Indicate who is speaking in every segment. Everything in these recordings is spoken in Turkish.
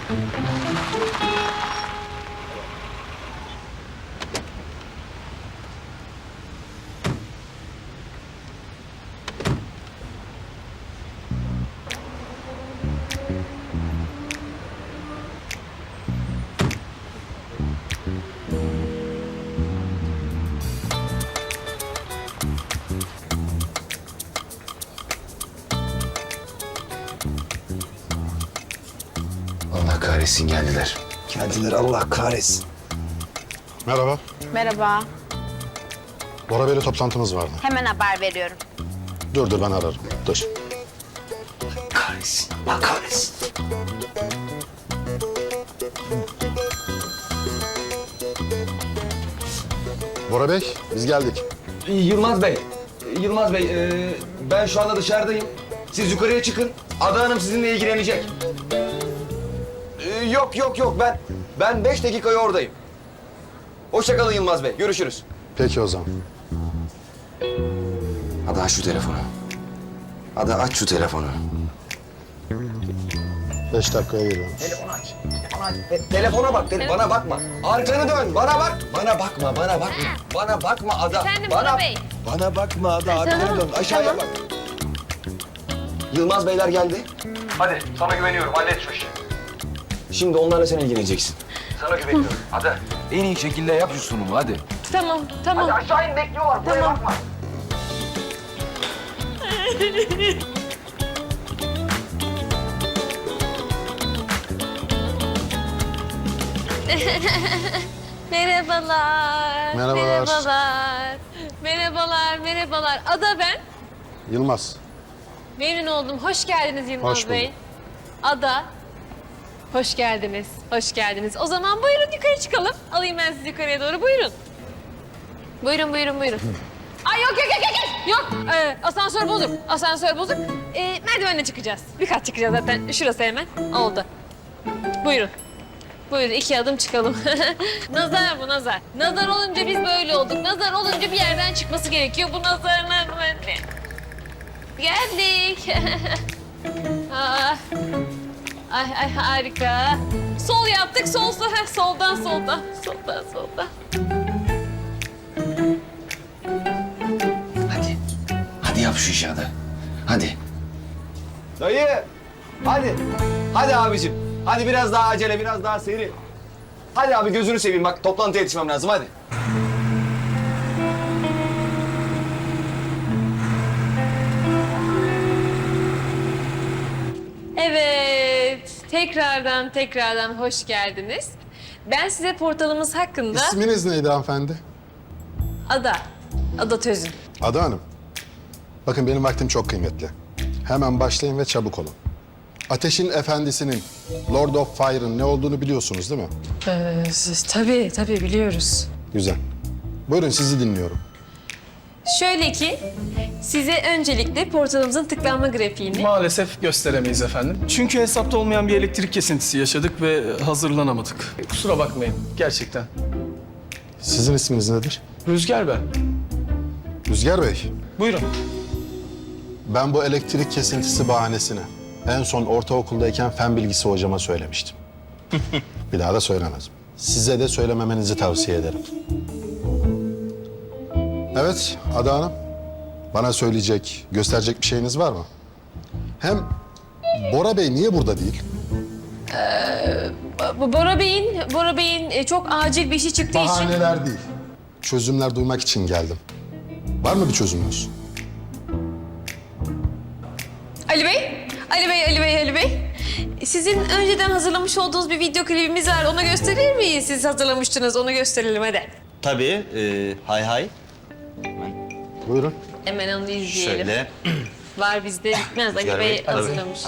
Speaker 1: Allah kahretsin geldiler.
Speaker 2: Geldiler, Allah kahretsin.
Speaker 3: Merhaba.
Speaker 4: Merhaba.
Speaker 3: Bora Bey'le toplantımız vardı.
Speaker 4: Hemen haber veriyorum.
Speaker 3: Dur ben ararım. Dur.
Speaker 1: Kahretsin. Allah kahretsin.
Speaker 3: Bora Bey, biz geldik.
Speaker 2: Yılmaz Bey, ben şu anda dışarıdayım. Siz yukarıya çıkın. Ada Hanım sizinle ilgilenecek. Yok. Ben 5 dakikaya oradayım. Hoşça kalın Yılmaz Bey. Görüşürüz.
Speaker 3: Peki o zaman.
Speaker 1: Ada aç şu telefonu. Ada aç şu telefonu.
Speaker 3: 5 dakikaya geliyorum.
Speaker 2: Telefonu aç. Telefona bak. Bana bakma. Arkanı dön. Bana bak. Bana bakma. Bana bakma Ada.
Speaker 4: Efendim
Speaker 2: bana,
Speaker 4: Bora Bey.
Speaker 2: Bana bakma Ada. Arkanı dön. Aşağıya bak. Yılmaz Beyler geldi. Hadi sana güveniyorum. Hallet şu işi. Şimdi onlarla sen ilgileneceksin. Sana güveniyorum. Ada.
Speaker 1: En iyi şekilde yap şu sunumu hadi.
Speaker 4: Tamam.
Speaker 2: Hadi aşağı in bekliyorlar. Buraya bakma.
Speaker 4: Merhabalar.
Speaker 3: Merhabalar.
Speaker 4: Merhabalar. Ada ben.
Speaker 3: Yılmaz.
Speaker 4: Memnun oldum. Hoş geldiniz Yılmaz
Speaker 3: Hoş bulduk.
Speaker 4: Bey. Ada. Hoş geldiniz. O zaman buyurun yukarı çıkalım. Alayım ben sizi yukarıya doğru. Buyurun. Buyurun. Ay yok. Yok. Asansör bozuk. Merdivenle çıkacağız. Bir kat çıkacağız zaten. Şurası hemen. Oldu. Buyurun, 2 adım çıkalım. Nazar bu nazar. Nazar olunca biz böyle olduk. Nazar olunca bir yerden çıkması gerekiyor. Bu nazarlar böyle. Geldik. Ay harika. Sol yaptık. Sol. Soldan.
Speaker 1: Hadi yap şu işi Ada. Hadi.
Speaker 2: Dayı. Hadi. Hadi abicim. Hadi biraz daha acele, biraz daha seri. Hadi abi gözünü seveyim. Bak toplantıya yetişmem lazım. Hadi.
Speaker 4: Evet. Tekrardan hoş geldiniz. Ben size portalımız hakkında...
Speaker 3: İsminiz neydi hanımefendi?
Speaker 4: Ada Tözün.
Speaker 3: Ada Hanım. Bakın benim vaktim çok kıymetli. Hemen başlayın ve çabuk olun. Ateşin Efendisi'nin, Lord of Fire'ın ne olduğunu biliyorsunuz değil mi?
Speaker 4: Tabii biliyoruz.
Speaker 3: Güzel. Buyurun sizi dinliyorum.
Speaker 4: Şöyle ki, size öncelikle portalımızın tıklanma grafiğini...
Speaker 5: Maalesef gösteremeyiz efendim. Çünkü hesapta olmayan bir elektrik kesintisi yaşadık ve hazırlanamadık. Kusura bakmayın gerçekten.
Speaker 3: Sizin isminiz nedir?
Speaker 5: Rüzgar ben.
Speaker 3: Rüzgar Bey.
Speaker 5: Buyurun.
Speaker 3: Ben bu elektrik kesintisi bahanesini en son ortaokuldayken fen bilgisi hocama söylemiştim. Bir daha da söylemez. Size de söylememenizi tavsiye ederim. Evet, Ada Hanım. Bana söyleyecek, gösterecek bir şeyiniz var mı? Hem Bora Bey niye burada değil?
Speaker 4: Bora Bey'in çok acil bir işi çıktığı için...
Speaker 3: Bahaneler değil. Çözümler duymak için geldim. Var mı bir çözümünüz?
Speaker 4: Ali Bey. Sizin önceden hazırlamış olduğunuz bir video klibimiz var. Onu gösterir miyiz? Siz hazırlamıştınız. Onu gösterelim hadi.
Speaker 6: Tabii. Hay.
Speaker 3: Buyurun.
Speaker 4: Hemen onu izleyelim.
Speaker 6: Şöyle.
Speaker 4: Var bizde bitmez. Ali
Speaker 6: Rüzgar
Speaker 4: Bey
Speaker 6: Bey, tabii.
Speaker 4: hazırlamış.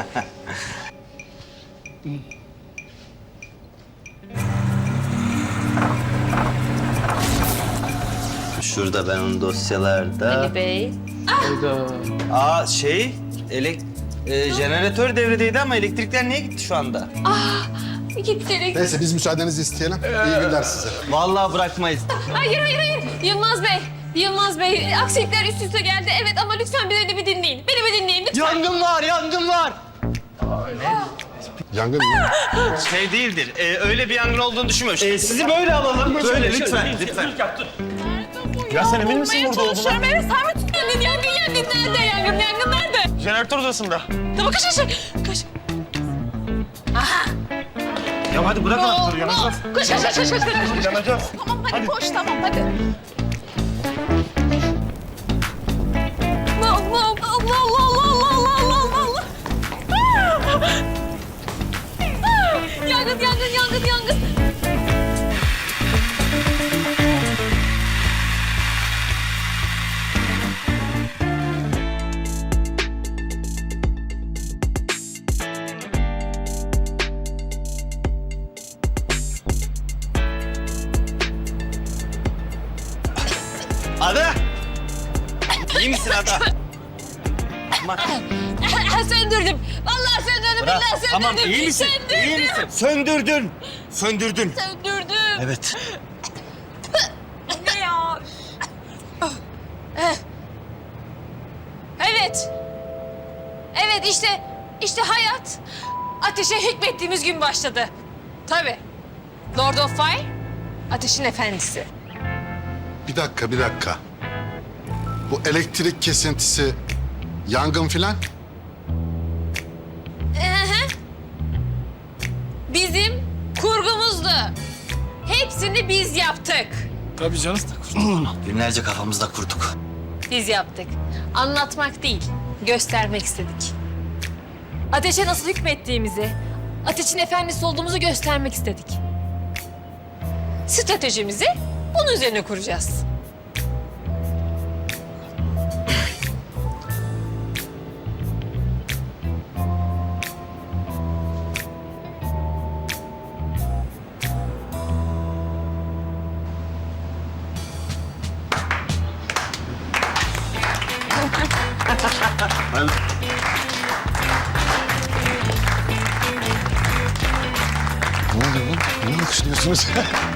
Speaker 6: Şurada ben onun dosyalarda.
Speaker 4: Ali Bey.
Speaker 5: Hayda.
Speaker 6: Jeneratör devredeydi ama elektrikler niye gitti şu anda?
Speaker 4: Gitti.
Speaker 3: Neyse biz müsaadenizi isteyelim. İyi günler size.
Speaker 6: Vallahi bırakmayız.
Speaker 4: Hayır. Yılmaz Bey, aksilikler üst üste geldi. Evet ama lütfen beni bir dinleyin. Beni bir dinleyin lütfen.
Speaker 6: Yangın var.
Speaker 3: Yangın mı?
Speaker 6: Şey değildir. Öyle bir yangın olduğunu düşünmüyorum. Sizi böyle alalım. Böyle lütfen. Lütfen.
Speaker 7: Ya sen emin misin burada olduğuna?
Speaker 4: Çalışıyorum evet. Sen mi tuttun? Yangın nerede? Yangın nerede?
Speaker 7: Jeneratör odasında.
Speaker 4: Tamam kaç.
Speaker 7: Ya hadi bırak anahtarı yanacağız.
Speaker 4: Koş.
Speaker 7: Yanacağız.
Speaker 4: Tamam hadi koş tamam hadi. Allah. Yangın.
Speaker 6: Ada! İyi misin Ada?
Speaker 4: Söndürdüm. Vallahi söndürdüm.
Speaker 6: Bırak.
Speaker 4: Billahi söndürdüm.
Speaker 6: Tamam iyi misin? İyi misin? Söndürdün.
Speaker 4: Söndürdüm.
Speaker 6: Evet.
Speaker 4: Ne ya? Evet işte hayat ateşe hükmettiğimiz gün başladı. Tabii. Lord of Fire, ateşin efendisi.
Speaker 3: Bir dakika. Bu elektrik kesintisi, yangın filan.
Speaker 4: Bizim kurgumuzdu. Hepsini biz yaptık.
Speaker 5: Tabii canım.
Speaker 6: Günlerce kafamızda kurduk.
Speaker 4: Biz yaptık. Anlatmak değil, göstermek istedik. Ateşe nasıl hükmettiğimizi, ateşin efendisi olduğumuzu göstermek istedik. Stratejimizi bunun üzerine kuracağız.
Speaker 1: Ne oluyor lan? Ne alkışlıyorsunuz?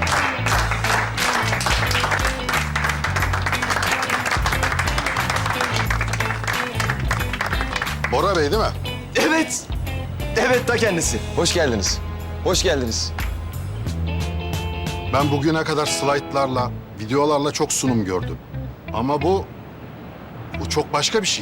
Speaker 3: Bora Bey değil mi?
Speaker 2: Evet. Evet ta kendisi. Hoş geldiniz. Hoş geldiniz.
Speaker 3: Ben bugüne kadar slaytlarla, videolarla çok sunum gördüm. Ama bu çok başka bir şey.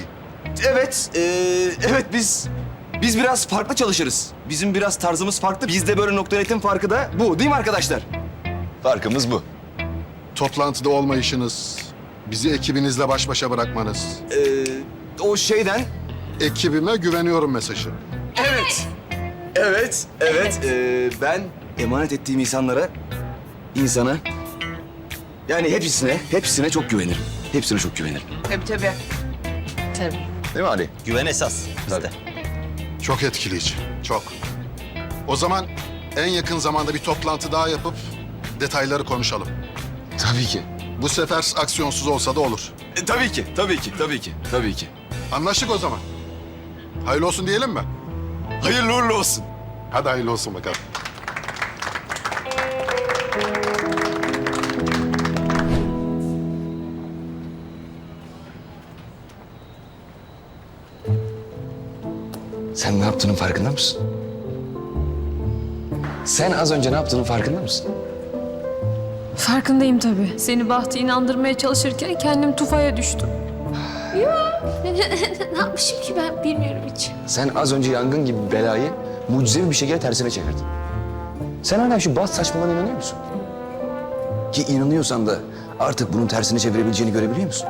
Speaker 2: Evet biz biraz farklı çalışırız. Bizim biraz tarzımız farklı. Bizde böyle nokta üretim farkı da bu değil mi arkadaşlar? Farkımız bu.
Speaker 3: Toplantıda olmayışınız, bizi ekibinizle baş başa bırakmanız,
Speaker 2: O şeyden
Speaker 3: ekibime güveniyorum mesajı.
Speaker 2: evet. Ben emanet ettiğim insana yani hepsine çok güvenirim. Hepsine çok güvenirim.
Speaker 4: Tabii.
Speaker 2: Değil mi Ali?
Speaker 6: Güven esas bizde.
Speaker 3: Çok etkileyici, çok. O zaman en yakın zamanda bir toplantı daha yapıp detayları konuşalım.
Speaker 2: Tabii ki.
Speaker 3: Bu sefer aksiyonsuz olsa da olur.
Speaker 2: Tabii ki.
Speaker 3: Anlaştık o zaman. Hayırlı olsun diyelim mi?
Speaker 2: Hayırlı uğurlu olsun.
Speaker 3: Hadi hayırlı olsun bakalım.
Speaker 1: Sen ne yaptığının farkında mısın? Sen az önce ne yaptığının farkında mısın?
Speaker 4: Farkındayım tabii. Seni Bahtı inandırmaya çalışırken kendim tufaya düştüm. Ne yapmışım ki ben bilmiyorum hiç.
Speaker 1: Sen az önce yangın gibi belayı mucizevi bir şekilde tersine çevirdin. Sen hala şu bazı saçmalığına inanıyor musun? Ki inanıyorsan da artık bunun tersini çevirebileceğini görebiliyor musun?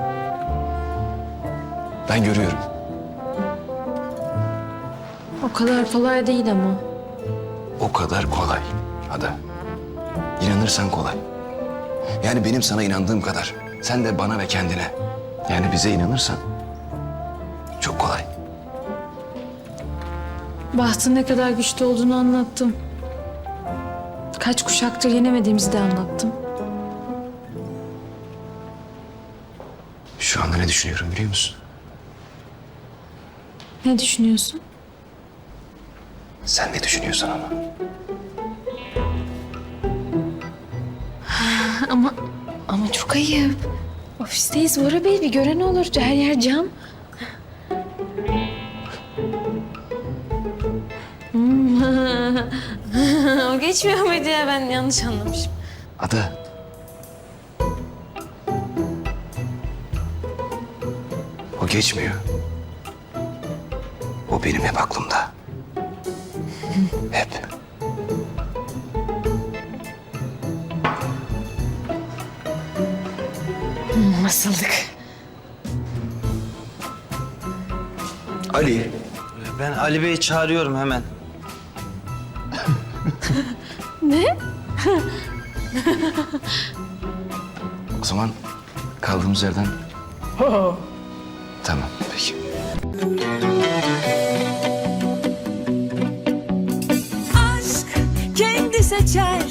Speaker 1: Ben görüyorum.
Speaker 4: O kadar kolay değil ama.
Speaker 1: O kadar kolay Ada. İnanırsan kolay. Yani benim sana inandığım kadar sen de bana ve kendine yani bize inanırsan çok kolay.
Speaker 8: Bahtın ne kadar güçlü olduğunu anlattım. Kaç kuşaktır yenemediğimizi de anlattım.
Speaker 1: Şu anda ne düşünüyorum biliyor musun?
Speaker 8: Ne düşünüyorsun?
Speaker 1: Sen ne düşünüyorsan ama.
Speaker 8: Ama çok ayıp. Ofisteyiz Bora Bey, bir gören olur. Her yer cam.
Speaker 4: O geçmiyor muydu ya? Ben yanlış anlamışım.
Speaker 1: Ada. O geçmiyor. O benim hep aklımda. Hep.
Speaker 4: Nasıldık?
Speaker 1: Ali.
Speaker 6: Ben Ali Bey'i çağırıyorum hemen.
Speaker 1: O zaman kaldığımız yerden... Tamam, peki.
Speaker 9: aşk kendi seçer